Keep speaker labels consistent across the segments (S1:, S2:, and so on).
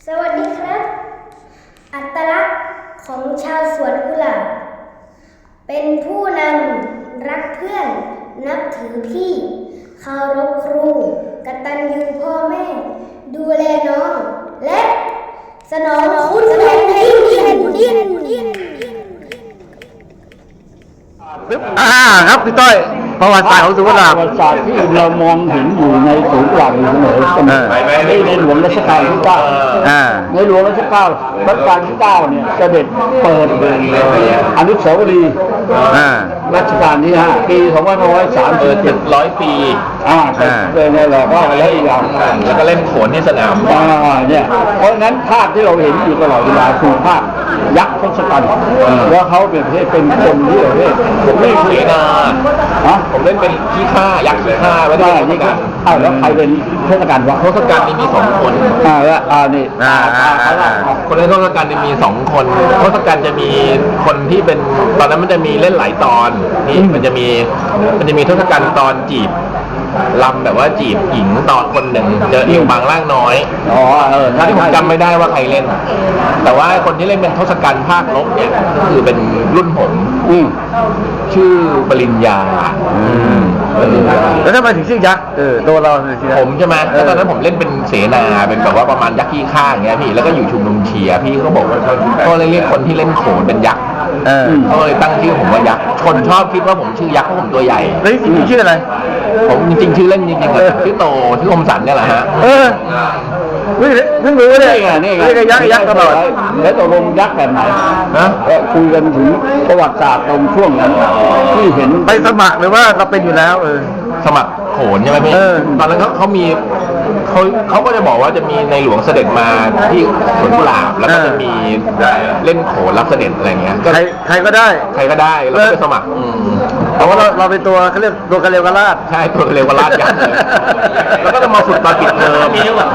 S1: สวัสดีครับอัตลักษณ์ของชาวสวนกุหลาบเป็นผู้นำรักเพื่อนนับถือพี่เคารพครูกตัญญูพ่อแม่ดูแลน้องและสนองคุณแผ่นดิน
S2: ครับพี่ต้อยประวัติศาสตร์ของสวนกุหลาบ
S3: ประวัติศาสตร์ที่เรามองเห็นอยู่ในสวนกุหลาบอยู่เสมอในหลวงรัชกาลที่ 9ในหลวงรัชกาลที่ 9เนี่ยเสด็จเปิดอนุสาวรีย์รัชกาลที่ 5 ปี2530
S4: 100 ปี
S3: เลยเนี่ยแหละก็แล้วอีกอย่าง
S4: แล้วก็เล่นโขนที่สนาม
S3: เนี่ยเพราะฉะนั้นภาพที่เราเห็นอยู่ตลอดเวลาคือภาพยักษ์ทศกัณฐ์ว่าเขาเป็นคนที่ประเภท
S4: ผมเล่นเสนาผมเล่นเป็นขี้ข้ายักษ์ขี้ข้าไม่ได้ที่กัน
S3: แล้วใครเป็นทศกัณฐ์วะ
S4: ทศกัณฐ์นี่มี2 คน
S3: นี่
S4: คนเล่นทศกัณฐ์มี2 คนทศกัณฐ์จะมีคนที่เป็นตอนนั้นมันจะมีเล่นหลายตอนนี่มันจะมีทศกัณฐ์ตอนจีบลำแบบว่าจีบหญิงตอนคนหนึ่งเจอเอวบางร่างน้อยที่ผมจำไม่ได้ว่าใครเล่นแต่ว่าคนที่เล่นเป็นทศกัณฐ์ภาคลบเนี่ยก็คือเป็นรุ่นผมชื่อปริญญา
S2: แล้วทำไมถึงชื่อยักษ์ตัวเรา
S4: ผมใช่ไหมแล้วตอนนั้นผมเล่นเป็นเสนาเป็นแบบว่าประมาณยักษ์ขี้ข้าอย่างเงี้ยพี่แล้วก็อยู่ชุมนุมเชียร์พี่เขาบอกว่าเขาเลยเรียกคนที่เล่นโขนเป็นยักษ์เขาเลยตั้งชื่อผมว่ายักษ์คนชอบคิดว่าผมชื่อยักษ์เพราะผมตัวใหญ่
S2: แล้วจริงๆชื่ออะไร
S4: ผมจริงๆชื่อเล่นจริงๆชื่อโตชื่อคมสันเนี่ยแหละฮะ
S2: เพิ่งรู้เนี่ยนี่ไงยักษ์ตลอด
S3: แล้วตกลงยักษ์แบบไหนคุยกันถึงประวัติศาสตร์ตรงช่วงนั้นที่เห็น
S2: ไปสมัครหรือว่าเราเป็นอยู่แล้ว
S4: สมัครโขนใช่ไหมพี่ตอนนั้นเขามีเขาก็จะบอกว่าจะมีในหลวงเสด็จมาที่สวนกุหลาบแล้วก็จะมีเล่นโขนรับเสด็จอะไรเงี้ย
S2: ใครก็ได้
S4: แล้วก็ไปสมัคร
S2: เพราะว่าเราเป็นตัวเขาเรียกตัวกระเลวกระลาด
S4: ใช่ตัวกระเลวกระลาดยักษ์เลยแล้วก็จะมาฝึกตอนปิดเทอม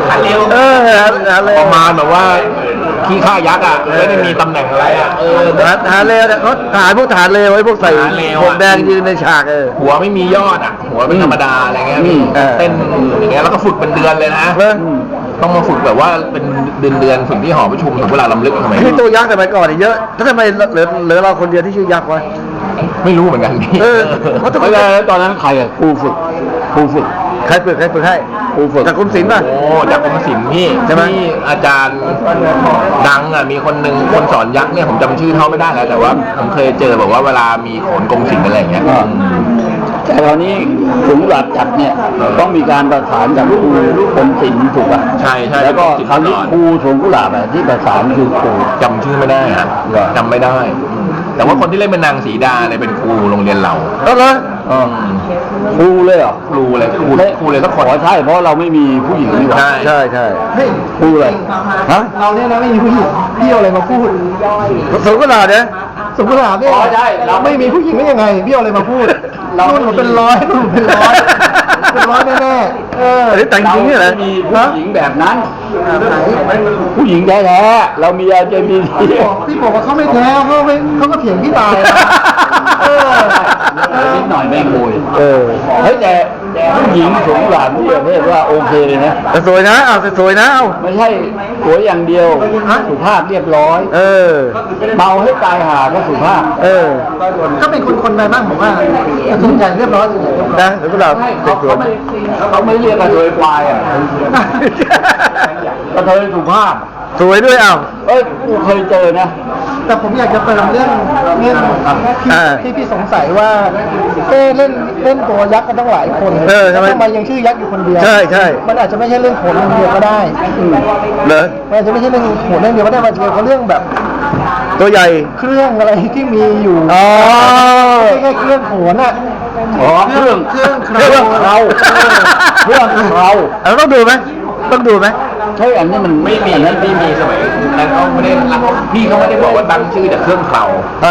S4: ประมาณแบบว่าขี้ข้ายักษ์ไม่ได้มีตำแหน่งอะไร
S2: ฐานเลวเขาพวกฐานเลวไว้พวกใส่หมวกแดงยืนในฉาก
S4: หัวไม่มียอดหัวเป็นธรรมดาอะไรเงี้ยเต้นอย่างเงี้ยแล้วก็ฝึกเป็นเดือนเลยนะต้องมาฝึกแบบว่าเป็นเดือนฝึกที่หอประชุมถึงเวลาลำลึกทำไม
S2: คือตัวยักษ์สมัยก่อนเยอะถ้าทำไมเหลือเราคนเดียวที่ชื่อยักษ์วะ
S4: ไม่รู้เหมือนกันพี่
S3: เพราะตอนนั้นใครครูฝึก
S2: ใครฝึกให้ครูฝึกจากกรมศิลป์ป่ะ
S4: จากกรมศิลป์พี่ที่อาจารย์ดังมีคนหนึ่งคนสอนยักษ์เนี่ยผมจำชื่อเขาไม่ได้แล้วแต่ว่าผมเคยเจอบอกว่าเวลามีโขนกรมศิลป์อะไรอย่างเงี้ย
S3: แต่ตอนนี้สวนกุหลาบจัดเนี่ยต้องมีการประสานจากครูกรมศิลป์ถูกป่ะ
S4: ใช่
S3: แล้วก็คราวนี้ครูสวนกุหลาบที่ประสานคือครู
S4: จำชื่อไม่ได้จำไม่ได้แต่ว่าคนที่เล่นเป็นนางสีดาเนี่ยเป็นครูโรงเรียนเรา
S3: ครูเลยเหรอ
S4: ครูเลยสักคน
S3: ใช่เพราะเราไม่มีผู้หญิงนี่หว่า
S2: ใช่
S3: ครูเลย
S5: เราเนี่ยนะไม่มีผู้หญิงพี่เอาอะไรมาพูด
S2: สวนกุหลาบเนี่ย
S5: สวนกุหลาบเนี่ย
S3: ใช่
S5: เราไม่มีผู้หญิงได้ยังไงพี่เอาอะไรมาพูดรุ่นผมเป็นร้อยแน่
S2: แต่งจริงเนี่ยนะ
S3: มีผู้หญิงแบบนั้นผู้หญิงแท้ๆเรามีLGBT
S5: พี่บอกว่าเขาไม่แท้เขาก็เถียงพี่ตาย
S3: นิดหน่อยแม่งโวยเฮ้ยแต่ผู้หญิงสวนกุหลาบที่ประเภทว่าโอเคเลยนะ
S2: สวยนะสวยนะ
S3: ไม่ใช่สวยอย่างเดียวสุภาพเรียบร้อยเมาให้ตายหาก็สุภาพ
S5: ก็เป็นคนไปบ้างผมว่าส่วนใหญ่เรียบร้อย
S2: นะสวนกุหลาบ
S3: เขาไม่เรียกกระเทยควายกระเทยสุภาพ
S2: สวยด้วย
S3: กูเคยเจอนะ
S5: แต่ผมอยากจะเติมเรื่องที่พี่สงสัยว่าเล่นตัวยักษ์กันตั้งหลายคนทำไมยังชื่อยักษ์อยู่คนเดียว
S2: ใช่
S5: มันอาจจะไม่ใช่เรื่องโขนเรื่องเดียวก็ได้มันอาจจะไม่ใช่เรื่องโขนเรื่องเดียวก็ได้มันเกี่ยวกับเรื่องแบบ
S2: ตัวใหญ่
S5: เครื่องอะไรที่มีอยู่ไม่ใช่เครื่องโขน
S3: เครื่องเรา
S2: ต้องดูไหม
S4: ใช่อันนี้มันไม่มีนั้นไม่มีสมัยนั้นเขาไม่ได้พี่เขาไม่ได้บอกว่าตั้งชื่อจากเครื่องเครา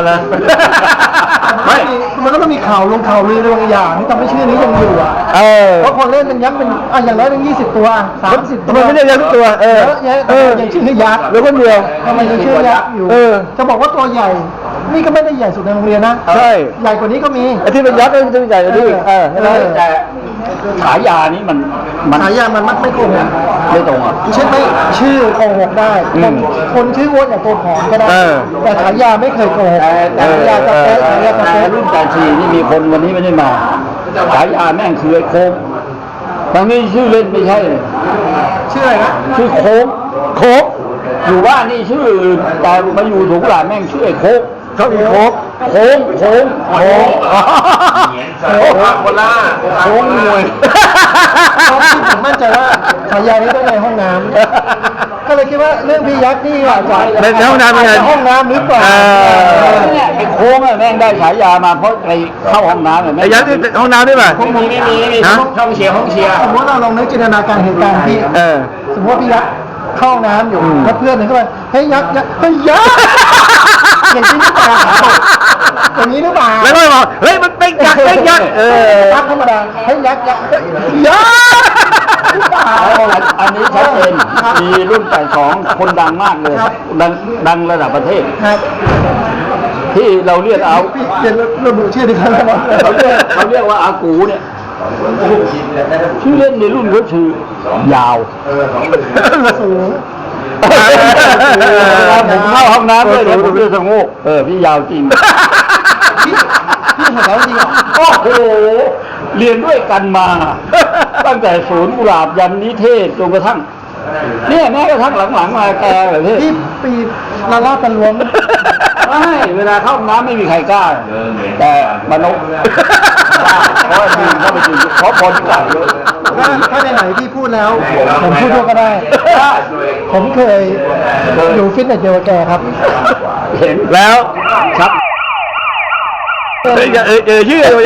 S5: ไม่มันก็ต้องมีข่าวลงข่าวลือบางอย่างที่ทำให้ชื่อนี้ยังอยู่เพราะคนเล่นเป็นยักษ์เป็นอย่างน้อยเป็น20 ตัว30 ตัว
S2: ไม่ได้ยักษ์ทุกตัว
S5: ยังชื่อยักษ์
S2: หรือคนเดียว
S5: ทำไมยังชื่อยักษ์อยู่จะบอกว่าตัวใหญ่นี่ก็ไม่ได้ใหญ่สุดในโรงเรียนนะ
S2: ใช่
S5: ใหญ่กว่านี้ก็มี
S2: ที่เป็นยักษ์ก็จะใหญ่กว่านี้
S3: แต่ฉายานี้มัน
S5: ฉายามันมักไม่โกหก
S3: ไม่ตรงอ่ะ
S5: เช่นไม่ชื่อโกหกได้คนชื่ออ้วนอย่างตัวผอมก็ได้แต่ฉายาไม่เคยโกหกฉายากาแฟฉายากาแฟ
S3: รุ่นจ่าชีนี่มีคนวันนี้ไม่ได้มาฉายาแม่งคือไอ้โค้งบางนี้ชื่อเล่นไม่ใช่เลย
S5: ชื่ออะไรนะ
S3: ชื่อโค้งอยู่บ้านนี่ชื่ออื่นแต่มาอยู่ถุงหลานแม่งชื่อไอ้โค้ง
S2: เขามีโค้ก
S3: โค้ง
S4: โอ้พาโคล่า
S3: โค้งมวย
S5: ผมมั่นใจว่าฉายานี้ต้องในห้องน้ำก็เลยคิดว่าเรื่องพี่ยักษ์นี่อาจจะ
S2: ในห้องน้ำเป็นไง
S5: ห้องน้ำหรือเปล่า
S3: เนี่ยไอ้โค้งอะแม่งได้ฉายามาเพราะไปเข้าห้องน้ำเนี่ย
S2: ไอ้ยักษ์ที่ห้องน้ำได้ป่ะ
S4: ไม่มีห้องเชียร์
S5: สมมติเราลองนึกจินตนาการเหตุการณ์ที่ สมมติว่าพี่ยักษ์เข้าห้องน้ำอยู่แล้วเพื่อนหนึ่งเข้าไปเฮ้ยยักษ์เฮ้ยยักษ์อย่างนี้หรือเปล่าอย่างนี้หรือเปล่า
S2: แล้วก็บอกเฮ้ยมันเป็นยักษ์เป็นยักษ์
S5: ยักษ์ธรรมดาเฮ้ยยักษ์ยักษ์
S3: อันนี้ชัดเจนมีรุ่นแต่สองคนดังมากเลยดังระดับประเทศ
S5: ครับ
S3: ที่เราเรียกเอา
S5: พี่เรียนระบุชื่อดิฉันแล้ว
S3: เขาเรียกว่าอากูเนี่ยชื่อเล่นในรุ่นก็คือยาว
S5: สูง
S3: ผมเข้าห้องน้ำด้วยเดี๋ยวผมจะสงบพี่ยาวจริง
S5: พี่เห็นแล้วจริงเหรอ
S3: โอ้โหเรียนด้วยกันมา ตั้งแต่ศูนย์กุหลาบยันนิเทศจนกระทั่งเนี่ยแม้กระทั่งหลังๆมาแกแบบนี้
S5: พี่ปีละลาบกันล้วง
S3: ไม่เวลาเข้าห้องน้ำไม่มีใครกล้า แต่มนุษย์กล้าเพราะยืนเข้าไปยืนเพราะคนกล้าเยอะ
S5: ถ้าไหนๆพี่พูดแล้ว ผมพูดด้วยก็ได้ ผมเคยอยู่ฟิตเนสเดียวกับแกครับ
S3: เห็น
S2: แล้ว
S3: ครับ
S2: ชื่ออะไร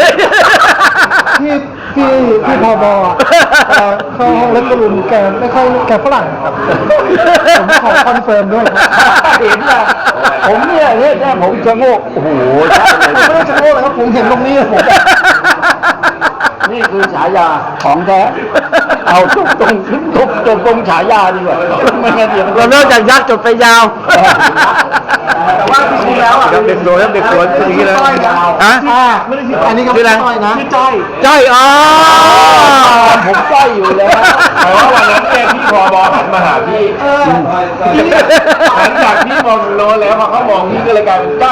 S5: พี่พบเข้าห้องเล็กกระลุมแกไม่ค่อยแกฝรั่งครับผมขอคอนเฟิร์มด้วย
S3: เห็นนะผมเนี่ยผมจะโงกโอ้โห
S5: ไม่ได้จะโง่เลยครับผมเห็นตรงนี้ผม
S3: นี่คือฉายาของแท้เอาจบตรงฉายาดีกว่าไม่งั้นเดี๋ยว
S2: เราเริ่มจากยักษ์จบไปยาว
S5: แต่ว่าจริงๆแล้วอ่ะ
S2: เด็กสวยครับเด็กสวยอย่างนี้เลยฮะ
S5: ไม่ได้ชื่ออันนี้ก็
S2: ชื่ออะไร
S5: จ้อยนะชื่อจ้อย
S2: จ้อยอ๋อ
S3: ผมใกล้อยู่แล้ว
S4: แต่ว่าวันนั้นเนี่ยพี่พบหันมาหาพี่หลังจากพี่มองโลแล้วพอเขามองพี่ก็เลยกลายเป็นจ้อย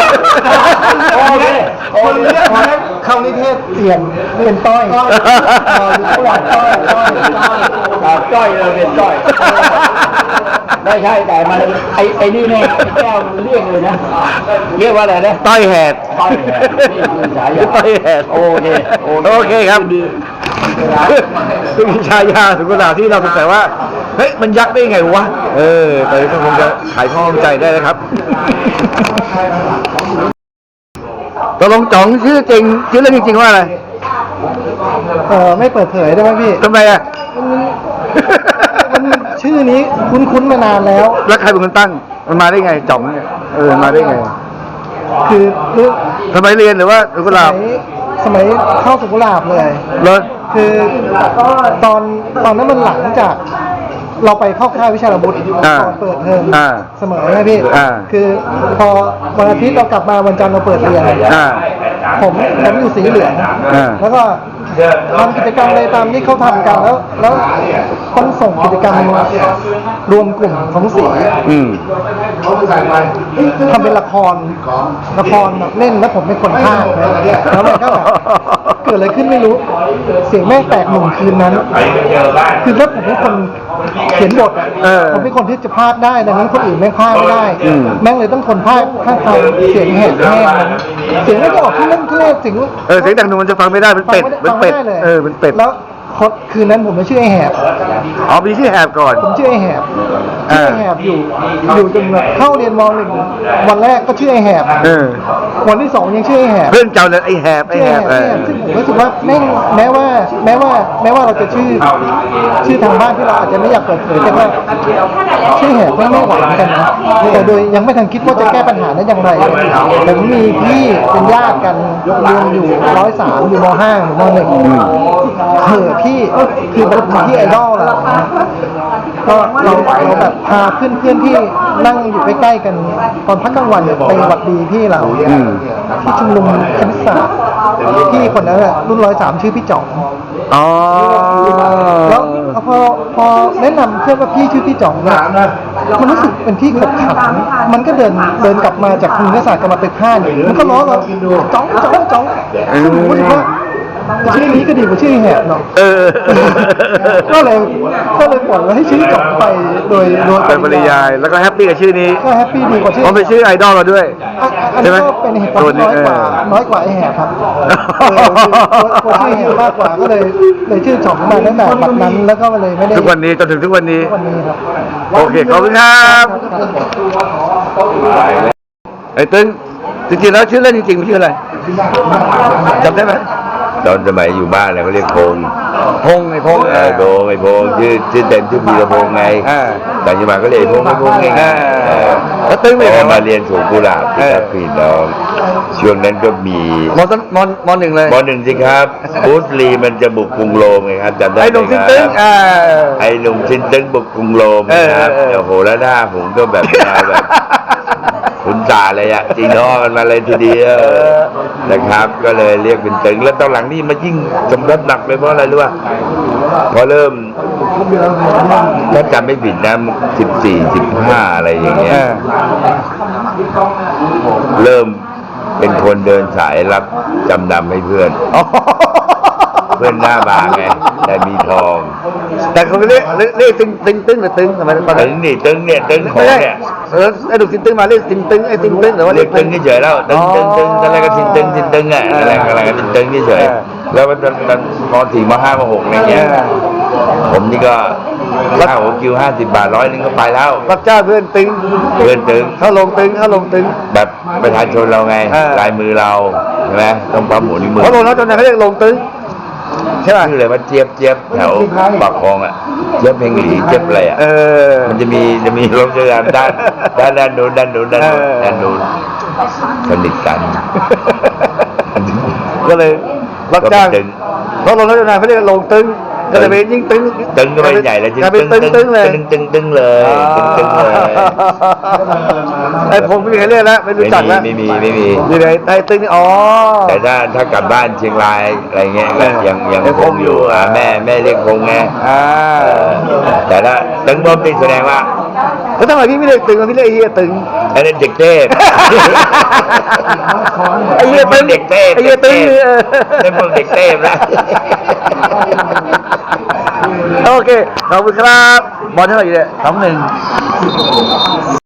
S5: คนเรียกว่าเข้านิเทศเปลี่ยนต้อยอยู่ผู้หลักต้อย
S3: จ้อยเลยเป็นจ้อยไม่ใช่แต่มันไอ้นี่เนี่ยแก้วมันเรียกเลยนะเรียกว่าอะไรนะ
S2: ต้อยแหด
S3: ต้อยแหดนี่คือฉายา
S2: ต้อยแหด
S3: โอเค
S2: โอเคครับซึ่งฉายาสุกุหลาบที่เราสงสัยว่าเฮ้ยมันยักษ์ได้ไงวะตอนนี้ก็คงจะขายข้อข้องใจได้นะครับตกลงจ๋องชื่อจริงชื่อเล่นจริงๆว่าอะไร
S5: ไม่เปิดเผยได้ไหมพี่
S2: ทำไมอ่ะ
S5: มันชื่อนี้คุ้นๆมานานแล้ว
S2: แล้วใครเป็นคนตั้งมันมาได้ไงจ๋องเนี่ยมาได้ไง
S5: คือ
S2: ทำไมเรียนหรือว่าสุกุหลาบ
S5: สมัยเข้าสุกุหลาบเลย
S2: เลย
S5: คือตอนนั้นมันหลังจากเราไปเข้าค่ายวิชาระบุตรตอนเปิดเทอมเสมอนะพี่คือพอวันอาทิตย์เรากลับมาวันจันทร์เราเปิดเรียนผมอยู่สีเหลืองแล้วก็ทำกิจกรรมอะไรตามที่เขาทำกันแล้วต้องส่งกิจกรรมรวมกลุ่มของสีทำเป็นละครแบบเล่นแล้วผมเป็นคนพากย์แล้วมันก็แบบเกิดอะไรขึ้นไม่รู้เสียงแม่งแตกหนุ่มคืนนั้นคือถ้าผมเป็นคนเขียนบทผมเป็นคนที่จะพากย์ได้ดังนั้นคนอื่นแม่งพากย์ไม่ได้แม่งเลยต้องทนพากย์ข้างทางเสียงแหบแห้งนั้นเสียงไม่จะออกที่เล่นที่เล่นเสียง
S2: เสียงดังหนูมันจะฟังไม่ได้เป็นเป็ดเป็นเป็ดเป็นเป็ด
S5: แล้วคืนนั้นผมไม่ชื่อไอ้แหบ
S2: มีชื่อแหบก่อน
S5: ผมชื่อไอ้แหบอยู่จนแบบเข้าเรียนม.1วันแรกก็ชื่อไอ้แหบวันที่2ยังชื่อไอ้แหบ
S2: เพื่อนเจ้าเลยไอ้แหบ
S5: ซึ่งผมรู้สึกว่าแม้ว่าเราจะชื่อทางบ้านที่เราอาจจะไม่อยากเปิดเผยแต่ว่าชื่อแหบไม่หวังกันนะแต่โดยยังไม่ทันคิดว่าจะแก้ปัญหาได้อย่างไรผมมีพี่เป็นญาติกันเรียนอยู่103อยู่ม.5 หรือม.1พี่คือแบบที่ไอดอลเราก็เราแบบพาเพื่อนที่นั่งอยู่ใกล้ๆกันตอนพักกลางวันไปหวัดดีพี่เราที่ชุมนุมคณิตศาสตร์พี่คนนั้นรุ่น103ชื่อพี่จ๋อง
S2: อ๋อ
S5: แล้วพอแนะนำเพื่อนว่าพี่ชื่อพี่จ่องเนี่ยมันรู้สึกเป็นที่ขบขันมันก็เดินกลับมาจากคุณศาสตร์กลับมาตึกห้าเนี่ยมันก็ล้อเราจ้องซึ่งผมรู้สึกว่าชื่อนี้ก็ดีกว่าชื่อแหบเนาะ ก็เลยปล่อยไว้ให้ชื่อจ่องไปโดย
S2: เป็นปริยายแล้วก็แฮปปี้กับชื่อนี้
S5: ก็แฮปปี้ดีกว่าชื่อ
S2: เพราะเป็นชื่อไอดอลเราด้วย
S5: อันนี้ก็เป็นเหตุผลน้อยกว่าไอแหบครับตัวชื่อแหบมากกว่าก็เลยชื่อจ่องมาตั้งแต่บัดนั้นแล้วก็เลยไม่ได้
S2: ทุกวันนี้จนถึงทุกวันนี้
S5: วันนี้ครับ
S2: โอเคขอบคุณครับไอ้ตึ้งจริงๆแล้วชื่อเล่นจริงๆมันชื่ออะไรจำได้ไหม
S6: ตอนสมัยอยู่บ้านเนี่ยเขาเรียกพงษ์
S2: พงษ์ไอ้พงษ์
S6: โดงไอ้พงษ์ชื่อเต็มชื่อพีระพงษ์ไงแต่ยังมาก็เรียกไอ้พงษ์ไอ้พงษ์ไง
S2: แล้วตึ้ง
S6: พ
S2: เป็น
S6: อ
S2: ไง
S6: มาเรียนสูงกุหลาบที่ครับพี่น้องช่วงนั้นก็มี
S2: มหนึ่งเลย
S6: มหนึ่งสิครับบูสลีมันจะบุกกรุงโรมไงครับจำได้
S2: ไอ้
S6: ไห
S2: หนุ่ม
S6: ม
S2: ซิน
S6: ค
S2: ตึ้ง
S6: รับไอ้หนุ่มซินตึ้งบุกกรุงโรมนะครับโอ้โหแล้วหน้าผมก็แบบมาแบบคุณจ่าเลยอะจีน้อกันมาเลยทีเดียวนะครับ ก็เลยเรียกเป็นตึงแล้วตอนหลังนี่มันยิ่งสำรับหนักเลยเพราะอะไรรู้ป่ะพอเริ่มถ้าจำไม่ผิดนะ14-15อะไรอย่างเงี้ยเริ่มเป็นคนเดินสายรับจำนำให้เพื่อน เพื่อนหน้าบางไงแต่มีทอง
S2: แต่เขาเรียกตึ้งหรือตึ้งทำไมตอน
S6: ตึ
S2: นั้น
S6: งนี่ตึงเนี่ยตึงขอ
S2: ไม่
S6: ง
S2: ใช่
S6: เนี่ย
S2: ไอ้หนุ่มซินตึ้งมาเรียกซินตึ้งไอ้ซินตึ้งหรือว่า
S6: เรียกตึงเฉยๆแล้วตึงอะไรก็ซินตึงอ่ะอะไรก็ตึงเฉยๆแล้วตอนม.4 ม.5 ม.6อะไรเงี้ยผมนี่ก็ค่าหัวคิว50 บาท100 นึงก็ไปแล้ว
S2: รับจ้างเพื่อนตึ้ง
S6: เพื่อนตึง
S2: เข้าลงตึ้ง
S6: แบบประชาชนเราไง
S2: อ่า
S6: ลายมือเราใช่ไหมต้องปั๊มหัวนิ้วมือ
S2: เขาลงแล้วจนไหนเขาเรียกลงตึ้งใช่ป่ะ
S6: ชื่ออะไรว่าเจี๊ยบแถวปากคลองอ่ะเจี๊ยบเพลงหลีเจี๊ยบอะไรอ่ะ มันจะมีรถจักรยานด้านนู้นสนิทกัน
S2: ก็เลยรับจ้าง
S6: ก็เป็นตึง
S2: เขาลงแล้วจนไหนเขาเรียกลงตึ้งก็เลยเป็นยิ่งตึ้ง
S6: ตึงก็ไม่ใหญ่แล้วจริง
S2: กลายเป็นตึ้งเลย
S6: ตึงเลยตึงเลย
S2: ไอ้ผมไม่มีใครเรียกแล้วไม่รู้จักแล้ว
S6: ไม่มี
S2: นี่เลยไอ้ตึ้งนี่อ๋อ
S6: แต่ถ้ากลับบ้านเชียงรายอะไรเงี้ยก็ยังคงอยู่แม่เรียกคงไง แต่ถ้าตึงบอมติแสดงว่า
S2: แล้วทำไมพี่ไม่เรียกตึงพี่เรียกไอ้เหี้ยตึง
S6: อันนั้นเด็กเทพ
S2: ไอ้เหี้ยตึง
S6: เด็กเทพ
S2: ไอ้เหี้ยตึง
S6: เป็นพวกเด็กเทพนะ
S2: โอเคขอบคุณครับบอลเท่าไหร่เนี่ย2-1